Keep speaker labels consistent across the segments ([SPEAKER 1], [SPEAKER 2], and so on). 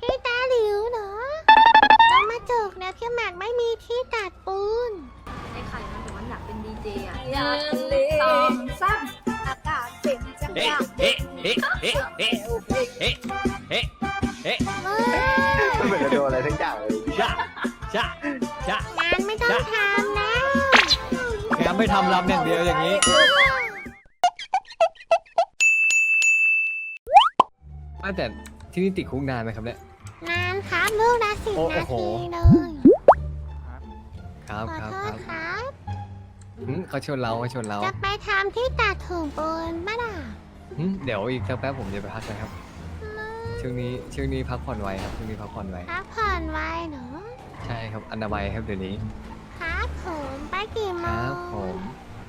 [SPEAKER 1] พี่ตาหลิวเหรอต้องมาจกแล้วพี่หมากไม่มีที่ตัดปูน
[SPEAKER 2] ไอ้ไข่มันบอกว่าอยากเป็นดีเจอ่ะ
[SPEAKER 3] สองสามอากาศเจ๋งจัง
[SPEAKER 4] เฮ้
[SPEAKER 3] อะ
[SPEAKER 4] เฮ้เฮ้เฮ้เฮ้เฮ้เฮ้เฮ้
[SPEAKER 5] ไม่เหมือนจะโดนอะไรทั้งอย่างเลย
[SPEAKER 4] ชะชะชะ
[SPEAKER 1] งานไม่ต้องทำแล้ว
[SPEAKER 4] งานไม่ทำรำอย่างเดียวอย่างนี้แต่ที่นี่ติดคุกนานไหมครับเนี่ย
[SPEAKER 1] นานครับลูกละ10
[SPEAKER 4] โอ้
[SPEAKER 1] นา
[SPEAKER 4] โห
[SPEAKER 1] ทีเลย
[SPEAKER 4] ครับ
[SPEAKER 1] ขอ
[SPEAKER 4] ครับ
[SPEAKER 1] โท
[SPEAKER 4] ค
[SPEAKER 1] ษ
[SPEAKER 4] รับ
[SPEAKER 1] ครับ
[SPEAKER 4] เขาชวนเราเขาชวนเรา
[SPEAKER 1] จะไปทำที่ตัดถุงปูนบ้าล่ะ
[SPEAKER 4] เดี๋ยวอีกสักแป๊บผมจะไปพักนะครับ ช่วงนี้พักผ่อนไวครับช่วงนี้พักผ่อนไว
[SPEAKER 1] พักผ่อนไวเหรอ
[SPEAKER 4] ใช่ครับอันดับไวครับเดี๋ยวนี้
[SPEAKER 1] ครับผมไปกี่โม
[SPEAKER 4] ครั
[SPEAKER 1] ง
[SPEAKER 4] บผม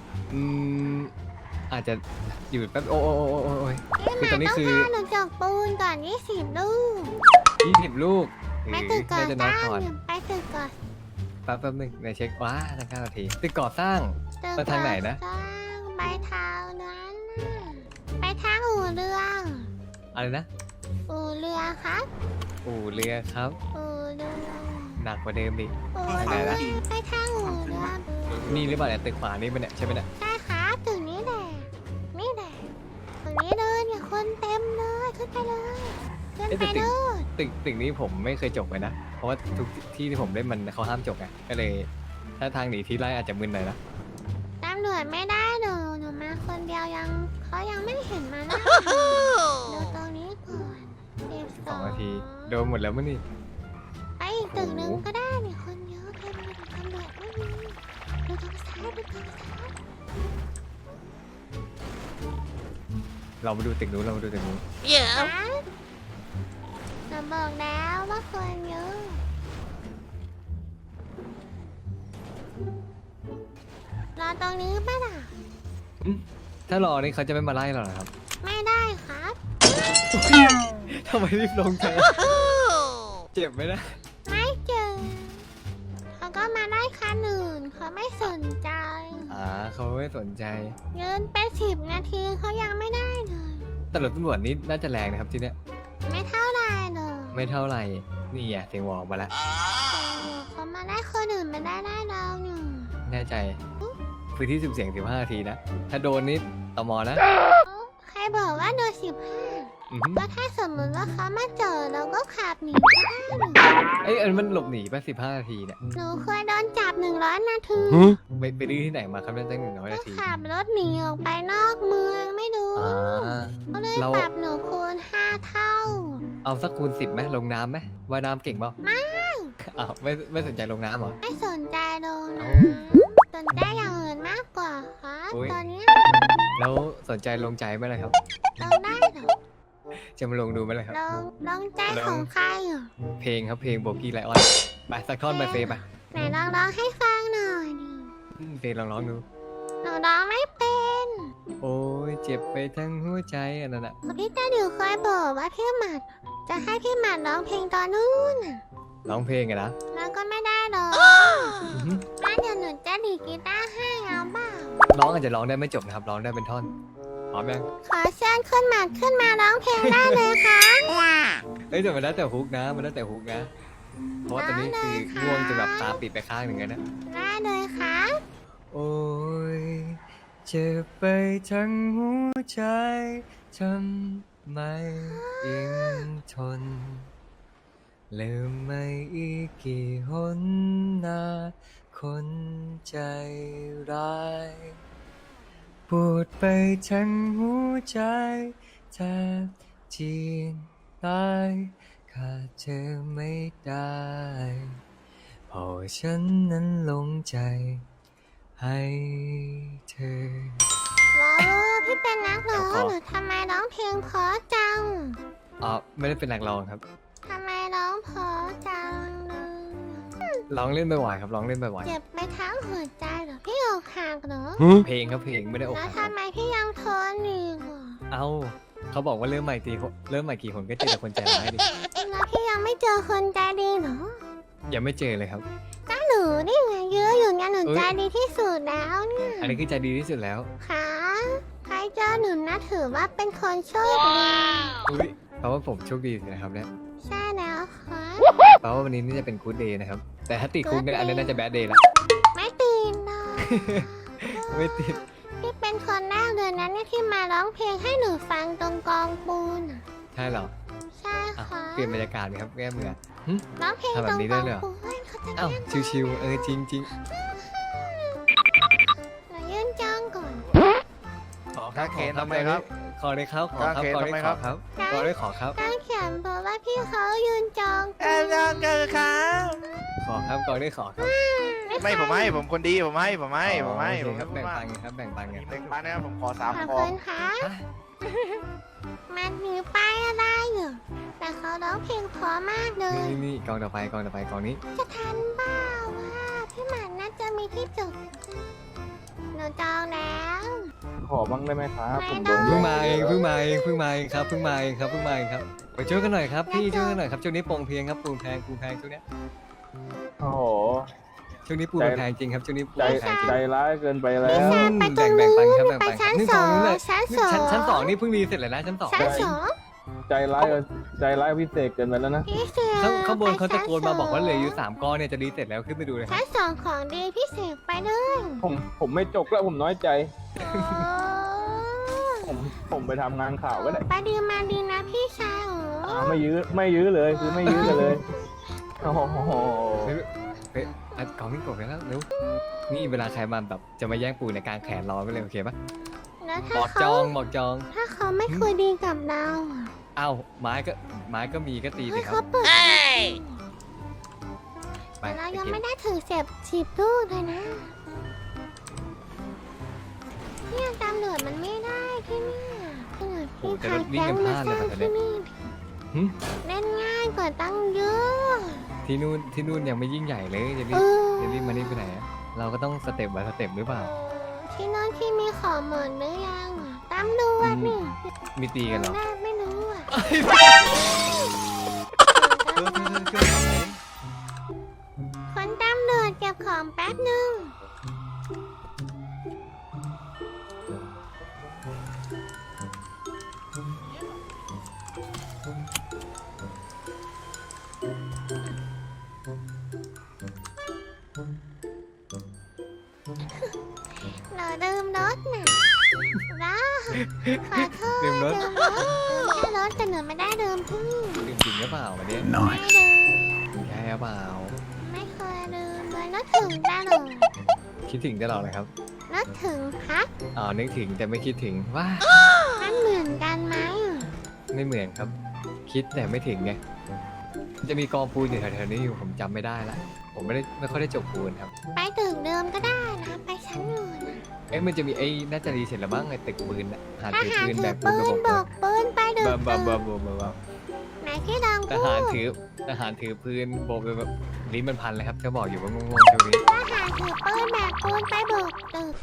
[SPEAKER 4] อาจจะอยู่แป๊บโอ้ย
[SPEAKER 1] พี่
[SPEAKER 4] คือตอนนี้
[SPEAKER 1] หมาก
[SPEAKER 4] คื
[SPEAKER 1] ต้
[SPEAKER 4] อ
[SPEAKER 1] องพาหนูจกปูนก่อน20 ลูก
[SPEAKER 4] 20 ลูก
[SPEAKER 1] ไปตึกก่อ
[SPEAKER 4] น่าจะน้อย
[SPEAKER 1] สร้าง
[SPEAKER 4] ก่อน
[SPEAKER 1] ไปตึกก่อน
[SPEAKER 4] แป๊บนึงเดี๋ยวเช็คว้าทาง9 นาทีตึกก่อสร้าง
[SPEAKER 1] ตึก
[SPEAKER 4] ไปทางไหนนะ
[SPEAKER 1] ก่อสร้างไปทางนั้นน่ะไปทางอู่เรือ
[SPEAKER 4] อะไรนะ
[SPEAKER 1] อู่เรือครับ
[SPEAKER 4] อู่เรือครับ
[SPEAKER 1] อู่เรือ
[SPEAKER 4] หนักกว่าเดิมอีก
[SPEAKER 1] อู่
[SPEAKER 4] ไหน
[SPEAKER 1] เรือ
[SPEAKER 4] นะ
[SPEAKER 1] ไปทางอู่เรือ
[SPEAKER 4] นี่หรือเปล่าเนี่ยตึกขวานี่เป็นเนี่ยใช่ไหมเนี่ย
[SPEAKER 1] ใช่ครับตึกนี้แหละนี่แหละตึกนี้เลยเนี่ยคนเต็มเลยขึ้นไปเลยขึ้น
[SPEAKER 4] เอ๊ะ
[SPEAKER 1] ไป
[SPEAKER 4] แต่
[SPEAKER 1] เลย
[SPEAKER 4] ตึกนี้ผมไม่เคยจบเลยนะ เพราะว่าทุกที่ที่ผมเล่นมันเขาห้ามจบไงก็เลย ถ้าทางหนีที่ไล่อาจจะมึนหน่อยนะ
[SPEAKER 1] ตำรวจไม่ได้หนูมาคนเดียวยังเขายังไม่เห็นมานะดูตรงนี้ก่อน
[SPEAKER 4] 2 นาทีโดนหมดแล้วมั้งนี่
[SPEAKER 1] ไปอีกตึกหนึงก็ได้เนี่ยคนเยอะเต็มเลยตำรวจไม่มีดูทางซ้ายดูทางซ้าย
[SPEAKER 4] เรามาดูตึกนู้นเรามาดูตึกนู้น
[SPEAKER 1] ครับหนูบอกแล้วว่าคนเยอะรอตรงนี้ป่ะล่ะ
[SPEAKER 4] ถ้ารอนี่เขาจะไม่มาไล่เราเหรอครับ
[SPEAKER 1] ไม่ได้ครับ
[SPEAKER 4] ทำไมรีบลงจังเจ็บไหมนะ
[SPEAKER 1] ไม่เจอเขาก็มาได้คันอื่นเขาไม่สนใจ
[SPEAKER 4] เขาไม่สนใจ
[SPEAKER 1] ยืนไป10 นาทีเขายังไม่ได้เลย
[SPEAKER 4] แต่รถตำรวจนี่น่าจะแรงนะครับที่เนี้ย
[SPEAKER 1] ไม่เท่าไรเลย
[SPEAKER 4] ไม่เท่าไหร่นี่อ่ะเสียงวอลมาแล้ว
[SPEAKER 1] เขามาได้คนอื่นไม่ได้เราหนึ่ง
[SPEAKER 4] แน่ใจพื้นที่สุ่มเสี่ยง15 นาทีนะถ้าโดนนี่ตมนะ
[SPEAKER 1] ใครบอกว่าโดน
[SPEAKER 4] อือหือ
[SPEAKER 1] 15ก็ถ้าสมมติว่าเขามาเจอเราก็ขับหนีก็ได้หนู
[SPEAKER 4] เอ้ยอันมันหลบหนีไป15 นาทีเนี่ย
[SPEAKER 1] หนูเคยโดนจับ100 นาที
[SPEAKER 4] ไปดื้อที่ไหนมาครับได้ตั้ง100 นาที
[SPEAKER 1] ขับรถหนีออกไปนอกเมืองไม่รู้
[SPEAKER 4] อ่า
[SPEAKER 1] ก็เลย
[SPEAKER 4] เรา
[SPEAKER 1] ปรับหนูคูณ5 เท่า
[SPEAKER 4] เอาสักคูณ10ไหมลงน้ำไหมว่ายน้ำเก่งเปล่า
[SPEAKER 1] ไม่
[SPEAKER 4] อ้าวไม่สนใจลงน้ำเหรอ
[SPEAKER 1] ไม่สนใจลงนะ
[SPEAKER 4] เอ้
[SPEAKER 1] สนใจอย่างอื่นมากกว่าครับ
[SPEAKER 4] อุ๊ย
[SPEAKER 1] ตอนเนี้ย
[SPEAKER 4] แล้วสนใจลงใจไหมล่ะครับ
[SPEAKER 1] ลงได้เหรอ
[SPEAKER 4] จะมาลงดูไหมล่ะครับ
[SPEAKER 1] ลงใจของใครเหรอ
[SPEAKER 4] เพลงครับเพลงโบกี้ไลออนไปสักท่อนไปเฟย์ไป
[SPEAKER 1] ไหนร้องให้ฟังหน่อยดิ
[SPEAKER 4] เฟย์ลองร้องดู
[SPEAKER 1] หนูร้องไม่เป็น
[SPEAKER 4] โอ้ยเจ็บไปทั้งหัวใจอันนั้นอะ
[SPEAKER 1] พี่ตาดิวเคยบอกว่าพี่หมัด จะให้พี่หมัดร้องเพลงตอนนู้นน่ะ
[SPEAKER 4] ร้องเพลงอะนะ
[SPEAKER 1] แล้วก็ไม่ได้หรอก
[SPEAKER 4] อื้อหือ
[SPEAKER 1] งั้นเดี๋ยวหนูจะดีดกีตาร์ให้เอาเปล่า
[SPEAKER 4] ร้องอาจจะร้องได้ไม่จบนะครับร้องได้เป็นท่อนพร้อมยัง
[SPEAKER 1] ขอเชิญขึ้นหมัดขึ้นมาร้องเพลงได้เลยค่ะ
[SPEAKER 4] เอ้ยแต่มันแล้วแต่ฮุกนะมันแล้วแต่ฮุกนะเพราะว่าตอนนี้คือง่วงจนแบบตาปิดไปข้างหนึ่งแล้วนะ
[SPEAKER 1] ได้เลยค่ะ
[SPEAKER 4] โอ้ยเจ็บไปทั้งหัวใจทำไมยังทนลืมไม่อีกกี่หนนาคนใจร้ายปวดไปทั้งหัวใจแทบจีนตายขาดเธอไม่ได้เพราะฉันนั้นหลงใจให้เธอ
[SPEAKER 1] ว้าวพี่เป็นนักร้อง
[SPEAKER 4] เดี๋ยวขอ
[SPEAKER 1] หรือทำไมร้องเพลงเพราะจัง
[SPEAKER 4] ไม่ได้เป็นนักร้องครับ
[SPEAKER 1] ทำไมร้องเพราะจังเลย
[SPEAKER 4] ร้องเล่นบ่อยๆครับร้องเล่นบ่อย
[SPEAKER 1] เจ็บไปทั้งหัวใจเหรอพี่อกหักเหรอ
[SPEAKER 4] ๆเพลงครับเพลงไม่ได้อก
[SPEAKER 1] แล้ว
[SPEAKER 4] หักครับ
[SPEAKER 1] ทำไมพี่ยังทนอีกอ่ะ
[SPEAKER 4] เอาเขาบอกว่าเริ่มใหม่กี่คนก็เจอแต่คนใจร้ายดิ
[SPEAKER 1] แล้วพี่ยังไม่เจอคนใจดีเหรอ
[SPEAKER 4] ยังไม่เจอเลยครับ
[SPEAKER 1] ก็หนูนี่ไงเยอะอยู่ไงหนู
[SPEAKER 4] เอ้ย
[SPEAKER 1] ใจดีที่สุดแล้วเนี่ย
[SPEAKER 4] อันนี้คือใจดีที่สุดแล้ว
[SPEAKER 1] ค่ะใครเจอหนูนะถือว่าเป็นคนโชคดี
[SPEAKER 4] อุ้ยแปลว่าผมโชคดีสินะครับเนี่ย
[SPEAKER 1] ใช่แล้วค
[SPEAKER 4] แปลว่าวันนี้นี่จะเป็นกู๊ดเดย์นะครับ แต่ถ้าติดคุกเนี่ยอันนี้น่าจะแบดเดย์ละ
[SPEAKER 1] ไม่ตีนนะ
[SPEAKER 4] ไม่ติด
[SPEAKER 1] พี่เป็นคนแรกเลยนะเนี่ยที่มาร้องเพลงให้หนูฟังตรงกองปูนอะ
[SPEAKER 4] ใช่เหรอ
[SPEAKER 1] ใช่
[SPEAKER 4] อ่ะ
[SPEAKER 1] ค่ะ
[SPEAKER 4] เปลี่ยนบรรยากาศไหมครับแก้มือ
[SPEAKER 1] ร้องเพลง
[SPEAKER 4] ทำแบ
[SPEAKER 1] ตร
[SPEAKER 4] บ
[SPEAKER 1] ง
[SPEAKER 4] นี้
[SPEAKER 1] ก
[SPEAKER 4] ได้
[SPEAKER 1] อง
[SPEAKER 4] เลยเหรอ
[SPEAKER 1] ปูนเขาจะ
[SPEAKER 4] อ้าว
[SPEAKER 1] เล่น
[SPEAKER 4] ชิวๆจริง
[SPEAKER 1] หนูยื่นจ้องก่อน
[SPEAKER 4] ๆขอ
[SPEAKER 5] ถ้าเคนทำไมครับ
[SPEAKER 4] ขอเลยครับขอครับ
[SPEAKER 5] ถ้าเคน
[SPEAKER 4] ขอเลย
[SPEAKER 5] ทำไม
[SPEAKER 4] ข
[SPEAKER 5] ครั
[SPEAKER 4] อบ ครับขอเลยขอครับ
[SPEAKER 1] ตั้งเขียนบอกว่าพี่เขายืนจองปูน
[SPEAKER 4] ขอครับขอเลยขอครับ
[SPEAKER 5] ไม่ผมให้ผมคนดีผมให้ผมให้ผมให้
[SPEAKER 4] โอ
[SPEAKER 5] ผม
[SPEAKER 4] เคครับแบ่ง
[SPEAKER 5] ว่า
[SPEAKER 4] ปันกันครับแบ่งปันกัน
[SPEAKER 5] แบ่งปันนะครับผมขอ
[SPEAKER 1] ข
[SPEAKER 5] 3
[SPEAKER 1] อบ
[SPEAKER 5] คอ
[SPEAKER 1] คุณค่ะมันมีป้ายอะไรอยู่แต่เขาร้องเพลงเพราะมากเลย
[SPEAKER 4] นี่กองต่อไปกองนี้
[SPEAKER 1] จะทันเปล่าว่าพี่หมันน่าจะมีที่จุดหนูจองแล้ว
[SPEAKER 6] ขอบ้างได้ไหมครับ
[SPEAKER 1] ไม่
[SPEAKER 6] ผม
[SPEAKER 1] ได้
[SPEAKER 6] โดน
[SPEAKER 4] เพิ่งมาเองครับเพิ่งมาเองครับไปช่วยกันหน่อยครับพี่ช่วยกันหน่อยครับช่วงนี้โปร่งเพลงครับปูนแพงช่วงเนี้ย
[SPEAKER 6] โอ้โห
[SPEAKER 4] ช่วงนี้ปูนแพงจริงครับช่วงนี้ปูน
[SPEAKER 6] ใจ
[SPEAKER 4] แพงจริง
[SPEAKER 6] ใจร้ายเกินไปแล้
[SPEAKER 1] พี่
[SPEAKER 6] ว
[SPEAKER 1] แซมไปตรง
[SPEAKER 4] แบ่
[SPEAKER 1] นู้
[SPEAKER 4] งปัน
[SPEAKER 1] น
[SPEAKER 4] ครับแบ่ง
[SPEAKER 1] ไป
[SPEAKER 4] ปัน
[SPEAKER 1] ชั้น
[SPEAKER 4] นี่
[SPEAKER 1] สอง
[SPEAKER 4] นู้นเลย
[SPEAKER 1] ชั้นสอง
[SPEAKER 4] นี่เพิ่งรีเสร็จเลยนะชั้นสอง
[SPEAKER 1] ชั้นสอง
[SPEAKER 6] ใจร้ายพิเศษเกินไปแล้วนะ
[SPEAKER 1] พี่เสือ
[SPEAKER 4] ข้างบนเขา
[SPEAKER 1] ไป
[SPEAKER 4] ตะ
[SPEAKER 1] ชั้
[SPEAKER 4] โกนมาบอกว่าเหลืออยู่3ก้อนเนี่ยจะรีเสร็จแล้วขึ้นไปดูเลยค
[SPEAKER 1] ชั้
[SPEAKER 4] รับ
[SPEAKER 1] นสองของดีพี่เสกไปเลย
[SPEAKER 6] ผมไม่จกแล้วผมน้อยใจ
[SPEAKER 1] โอ้
[SPEAKER 6] ผมไปทำงานข่าวก็ได้
[SPEAKER 1] ไปดีมาดีนะพี่ชายโอ้
[SPEAKER 6] ไม่ยื้อเลยคือไม่ยื้อกันเลยโอ้โห
[SPEAKER 4] เฮ้ยอัดกองนี่กดไปแล้วเร็วนี่เวลาใครมาแบบจะมาแย่งปูในกลางแขนรอไปเลยโอเคปะ
[SPEAKER 1] แล้ว
[SPEAKER 4] บ
[SPEAKER 1] ถ้า
[SPEAKER 4] อกจ
[SPEAKER 1] เขา
[SPEAKER 4] อง
[SPEAKER 1] ถ้าเขาไม่คุยดีกับเราอะ
[SPEAKER 4] เอ้าไม้ก็มีก็ตี
[SPEAKER 1] เฮ้
[SPEAKER 4] สิ
[SPEAKER 1] ย
[SPEAKER 4] ครั
[SPEAKER 1] เขา
[SPEAKER 4] บ
[SPEAKER 1] เปิด
[SPEAKER 4] ไป
[SPEAKER 1] แต่เรา
[SPEAKER 4] ไป
[SPEAKER 1] ยัง
[SPEAKER 4] เก็บ
[SPEAKER 1] ไม่ได้ถือสิบลูกเลยนะเนี่ยตำรวจมันไม่ได้ที่เนี่ยตำรวจพี่พาแก๊งมาสร้างที่นี่
[SPEAKER 4] หึ
[SPEAKER 1] เล่นง่ายกว่าตั้งเยอะ
[SPEAKER 4] ที่นู่นยังไม่ยิ่งใหญ่เลยจะรี
[SPEAKER 1] เอบ อ
[SPEAKER 4] จะรีบมานี่ไปไหนอะเราก็ต้องสเต็ปbyสเต็ปหรือเปล่า
[SPEAKER 1] ที่นั่นที่มีของหมดหรือยังอะตำรวจนี่
[SPEAKER 4] มีตีกันเหรอ
[SPEAKER 1] แรกไม่รู้อ่ะ คนตำรวจเก็บของแป๊บหนึ่งหนูดื่มรถน่ะนะขอโทษ
[SPEAKER 4] ดื่มรถ
[SPEAKER 1] แค่รถแต่หนูไม่ได้ดื่มพี่
[SPEAKER 4] ดื่มจริงหรือเปล่าวันนี้
[SPEAKER 1] ไม่ดื่ม
[SPEAKER 4] ใช่หรือเปล่า
[SPEAKER 1] ไม่เคยดื่มเลยนึกถึงตลอด
[SPEAKER 4] คิดถึงตลอดเลยครับ
[SPEAKER 1] นึกถึงพัก
[SPEAKER 4] อ๋อนึกถึงแต่ไม่คิดถึงว่า
[SPEAKER 1] มันเหมือนกันไหมอะ
[SPEAKER 4] ไม่เหมือนครับ คิดแต่ไม่ถึงไงจะมีกองปูนอยู่แถวๆนี้อยู่ผมจำไม่ได้ละผมไม่ค่อยได้จบปูนครับ
[SPEAKER 1] ไปตึกเดิมก็ได้นะ ไปชั้นอื่นอะ
[SPEAKER 4] เอ้ยมันจะมีไอ้น่าจะรีเสร็จแล้วบ้างไอ้ตึกปืนอะหา
[SPEAKER 1] ท
[SPEAKER 4] ถือ
[SPEAKER 1] หาร
[SPEAKER 4] ปืน
[SPEAKER 1] ถื
[SPEAKER 4] แบ
[SPEAKER 1] อก
[SPEAKER 4] ปื
[SPEAKER 1] ปื
[SPEAKER 4] น
[SPEAKER 1] น
[SPEAKER 4] ระ
[SPEAKER 1] บ
[SPEAKER 4] บบ
[SPEAKER 1] กปืนไปดึก
[SPEAKER 4] บ้า
[SPEAKER 1] ไหนที่ดัง
[SPEAKER 4] ท
[SPEAKER 1] พู
[SPEAKER 4] หาร
[SPEAKER 1] ด
[SPEAKER 4] ถือปืนโบกแบบลิ้นมันพันเลยครับจะบอกอยู่ว่างงๆช่วงนี้
[SPEAKER 1] ทหารถือปืนแบกปืนไปบุกตึก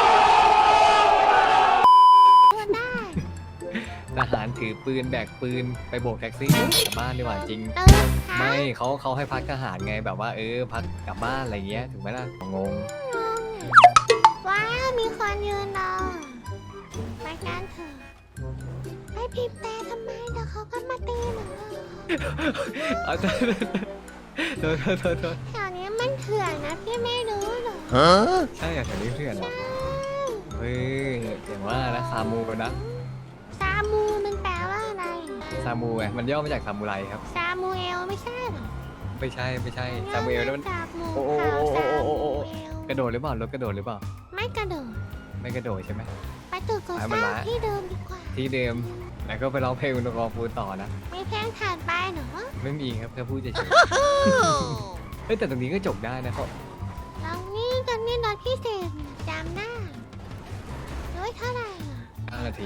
[SPEAKER 1] พูดได้
[SPEAKER 4] ทหารถือปืนแบกปืนไปโบกแท็กซี่กลับบ้านดีกว่าจริง
[SPEAKER 1] ตึกค่ะ
[SPEAKER 4] ไม่เขาให้พักทหารไงแบบว่าพักกลับบ้านอะไรเงี้ยถูกไหมล่ะงง
[SPEAKER 1] ว้าวมีคนยืนรอไปกันเถอะไปพิมพ์แต่ทำไมเดี๋ยวเขาก็มาตีหนูเลย
[SPEAKER 4] เอาโทษโทษ
[SPEAKER 1] แถวนี้มันเถื่อนนะพี่ไม่รู้เหรอ
[SPEAKER 4] ใช่อะแถวนี้เพื่อนเหรอเฮ้ยเห็นว่านะซามูนะ
[SPEAKER 1] ซามูมันแปลว่าอะไร
[SPEAKER 4] ซามูไงมันย่อมาจากซามูไรครับ
[SPEAKER 1] ซามูเอลไม่ใช่เหรอ
[SPEAKER 4] ไม่ใช่ซามูเอลนั่นมัน
[SPEAKER 1] จากหมู
[SPEAKER 4] โอ้
[SPEAKER 1] ขาว
[SPEAKER 4] โอ้
[SPEAKER 1] ซา
[SPEAKER 4] โอ้
[SPEAKER 1] มู
[SPEAKER 4] โอ้
[SPEAKER 1] เอล
[SPEAKER 4] กระโดดหรือเปล่ารถกระโดดหรือเปล่า
[SPEAKER 1] ไม่กระโดด
[SPEAKER 4] ไม่กระโดดใช่ไหม
[SPEAKER 1] ไปตึกก่อ
[SPEAKER 4] ไป
[SPEAKER 1] ส
[SPEAKER 4] มัน
[SPEAKER 1] ร้าง
[SPEAKER 4] ละ
[SPEAKER 1] ที่เดิมดีกว่า
[SPEAKER 4] ที่เดิมแล้วก็ไปร้องเพลงอุณกรฟูต่อนะ
[SPEAKER 1] มีเพลงถัดไปเหรอ
[SPEAKER 4] ไม่มีครับแค่พูดเฉยๆเฮ้ยแต่ตรงนี้ก็จบได้นะเขา
[SPEAKER 1] แล้วนี่ตอนนี้รถพิเศษจำได้ด้วยเท่าไหร่อ่ะ
[SPEAKER 4] 5 นาที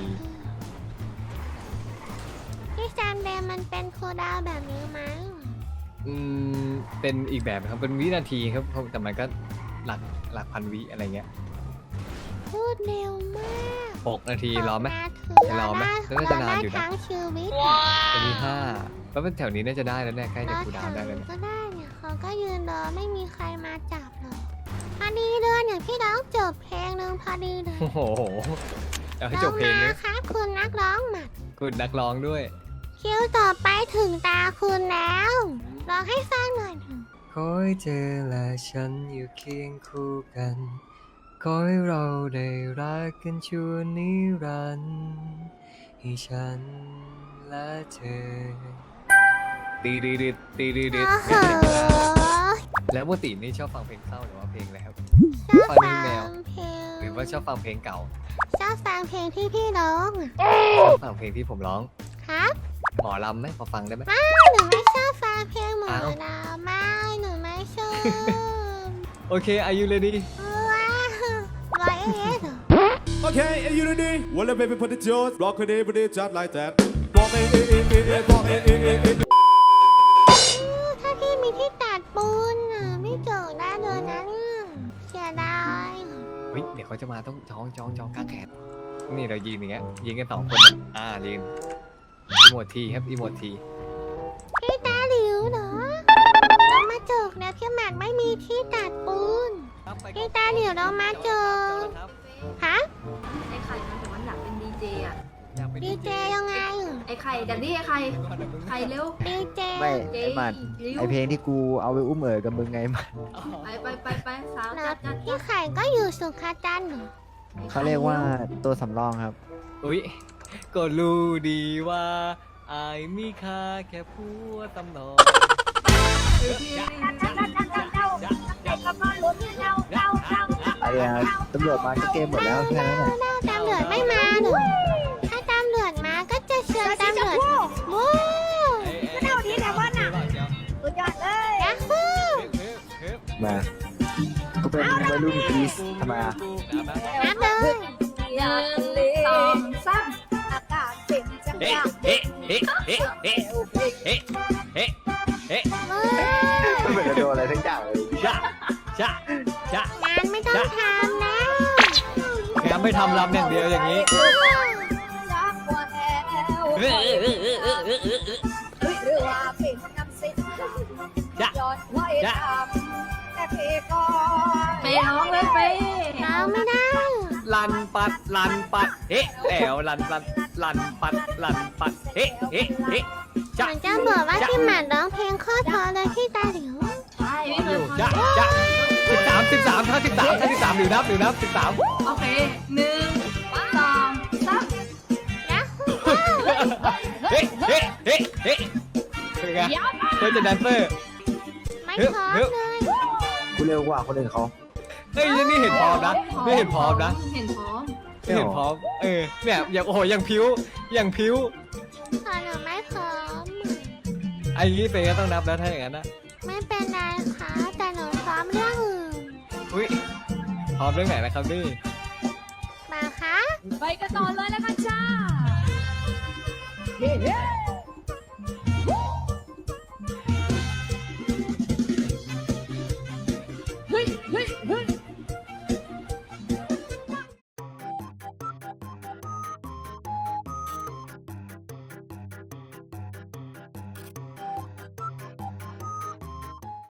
[SPEAKER 1] ที่แซมเดมมันเป็นโคดาวแบบนี้ไหม
[SPEAKER 4] เป็นอีกแบบครับเป็นวินาทีครับแต่มันก็หลักพันวิอะไรเงี้ย
[SPEAKER 1] พูดเร็วมาก
[SPEAKER 4] 6 นาทีรอไหม
[SPEAKER 1] จะ
[SPEAKER 4] รอไหมน่าจะนานอยู่นะ
[SPEAKER 1] ทั้งชีวิต
[SPEAKER 4] จะมี5แล้วแถวนี้น่าจะได้แล้วเนี่ยใกล้จะคูลดาวน์ได้แล้วเนี่ย
[SPEAKER 1] ก็ได้เนี่ยเขาก็ยืนรอไม่มีใครมาจับหรอกพอดีเลยเนี่ยพี่ร้องจบเพลงหนึ่งพอดีเลย
[SPEAKER 4] โอ้โหเอาให้จบเพลง
[SPEAKER 1] มา
[SPEAKER 4] เลย
[SPEAKER 1] ครับคุณนักร้องหมัด
[SPEAKER 4] คุณนักร้องด้วย
[SPEAKER 1] คิวต่อไปถึงตาคุณแล้ว รอร้องให้ฟังหน่อยเถอะ
[SPEAKER 4] ขอให้เธอและฉันอยู่เคียงคู่กัน ขอให้เราได้รักกันชั่วนิรันดร์ให้ฉันและเธอตีดีดิดตีดีดิด
[SPEAKER 1] โอ้โห
[SPEAKER 4] แล้วปกตินี่ชอบฟังเพลงเศร้าหรือว่าเพลงอะไรครับ
[SPEAKER 1] ชอบฟังเพลง
[SPEAKER 4] หรือว่าชอบฟังเพลงเก่า
[SPEAKER 1] ชอบฟังเพลงที่พี่ร้องอะ
[SPEAKER 4] ชอบฟังเพลงที่ผมร้อง
[SPEAKER 1] ครับ
[SPEAKER 4] หมอลำไหมพอฟังได้ไหม
[SPEAKER 1] หนูไม่ชอบฟังเพลงหมอ
[SPEAKER 4] อ้าว
[SPEAKER 1] ลำไม่หนูไม่ชอบ
[SPEAKER 4] โอเค are you ready
[SPEAKER 1] ว้าวร้อยเอ็ดเหรอ
[SPEAKER 7] Okay, are you ready? Well, baby, put the jaws, rock it, put it just like that. Walk it, walk it.
[SPEAKER 1] ถ้าพี่มีที่ตัดปูนน่ะไม่เจอได้เลยนะเนี่ยเสียดาย
[SPEAKER 4] เฮ้ยเดี๋ยวเขาจะมาต้องจองกางแขนนี่เรายืนอย่างเงี้ยยืนกัน2 คนยืนอีโมทีครับอีโมที
[SPEAKER 1] พี่ตาหลิวเหรอเรามาเจอแล้วที่หมัดไม่มีที่ตัดปูนพี่ตาหลิวเรามาเจอฮะ
[SPEAKER 2] ไอ้ไข่มันแต่มันอยากเป็นดีเจอ่ะ
[SPEAKER 1] ดีเจยังไง
[SPEAKER 2] ไอ้ไข่ดัดดี้ไอ้ไข่ไข่เร็ว
[SPEAKER 1] ดีเจ
[SPEAKER 8] ไม่
[SPEAKER 2] เจ
[SPEAKER 8] ไอ้มัน
[SPEAKER 2] ร็ว
[SPEAKER 8] ไอเพลงที่กูเอาไปอุ้มกับมึงไงมัน
[SPEAKER 2] ไปสาว
[SPEAKER 1] แล้
[SPEAKER 2] จั
[SPEAKER 1] ว
[SPEAKER 2] ดจัด
[SPEAKER 1] พี่ไข่ก็อยู่สุขาจันทร์เหรอ
[SPEAKER 8] เขาเรียกว่าตัวสำรองครับ
[SPEAKER 4] อุ้ยก็รู้ดีว่าอายมีค่าแค่ผัวตำนอง
[SPEAKER 8] อะไรอะตำรวจมาก็เกมหมดแล้วแค่นั้นแหละ
[SPEAKER 1] ตำรวจไม่มาหนูถ้าตำรวจมาก็จะเชิญตำรวจวู้
[SPEAKER 3] ก็เท่านี้แต่ว่าหนักสุดยอดเลย
[SPEAKER 1] ยักษ์ฮู้
[SPEAKER 8] มากูเป็นวัยรุ่นพีซทำไมอะ
[SPEAKER 1] นับเลย
[SPEAKER 3] สองสามอากาศเป็นจังหวะ
[SPEAKER 8] ไม่เหมือนจะโดนอะไรทั้งอย่างเลย
[SPEAKER 4] จ้ะ
[SPEAKER 1] งานไม่ต้องทำแล้ว
[SPEAKER 4] งานไม่ทำรำอย่างเดียวอย่างนี้
[SPEAKER 3] จากหัวแถวหรือว่าเป็นน้ำสิ้นยอดไว้ทำแต่เพก็
[SPEAKER 2] ไปร้องเลยไป
[SPEAKER 1] เราไม่ได้
[SPEAKER 4] ลันปัดแล้วลันปัดจ้ะ
[SPEAKER 1] มันจะบอกว่าที่หมัดร้องเพลงโคตรเพอเลยที่ตาหลิว
[SPEAKER 2] ใช่ไม่เคยฟัง
[SPEAKER 4] จ้ะ13ถ้า13หรือนับ13
[SPEAKER 2] โอเค1 2 3
[SPEAKER 1] ยักษ์ฮู้
[SPEAKER 4] เป็นไงเพื่อนจะแดนเซอร์
[SPEAKER 1] ไม่พร้อมเลย
[SPEAKER 8] กูเร็วกว่าคนอื่นเขา
[SPEAKER 4] เฮ้ยนี่เห็นพร้อมนะนี่เห็นพร้อมนะ
[SPEAKER 2] เห็นพร้อม
[SPEAKER 4] นี่เห็นพร้อมเนี่ยอย่างโอ้โหอย่างพิ้ว
[SPEAKER 1] ตอนหนูไม่พร้อม
[SPEAKER 4] ไอ้นี้เป็นก็ต้องนับแล้วถ้าอย่างนั้นนะ
[SPEAKER 1] ไม่เป็นไรค่ะแต่หนูพร้อมเรื่องอื่น
[SPEAKER 4] อุ้ยพร้อมเรื่องไหนนะครับนี่
[SPEAKER 1] มาคะ
[SPEAKER 3] ไปกันต่อเลยแล้วกันจ้า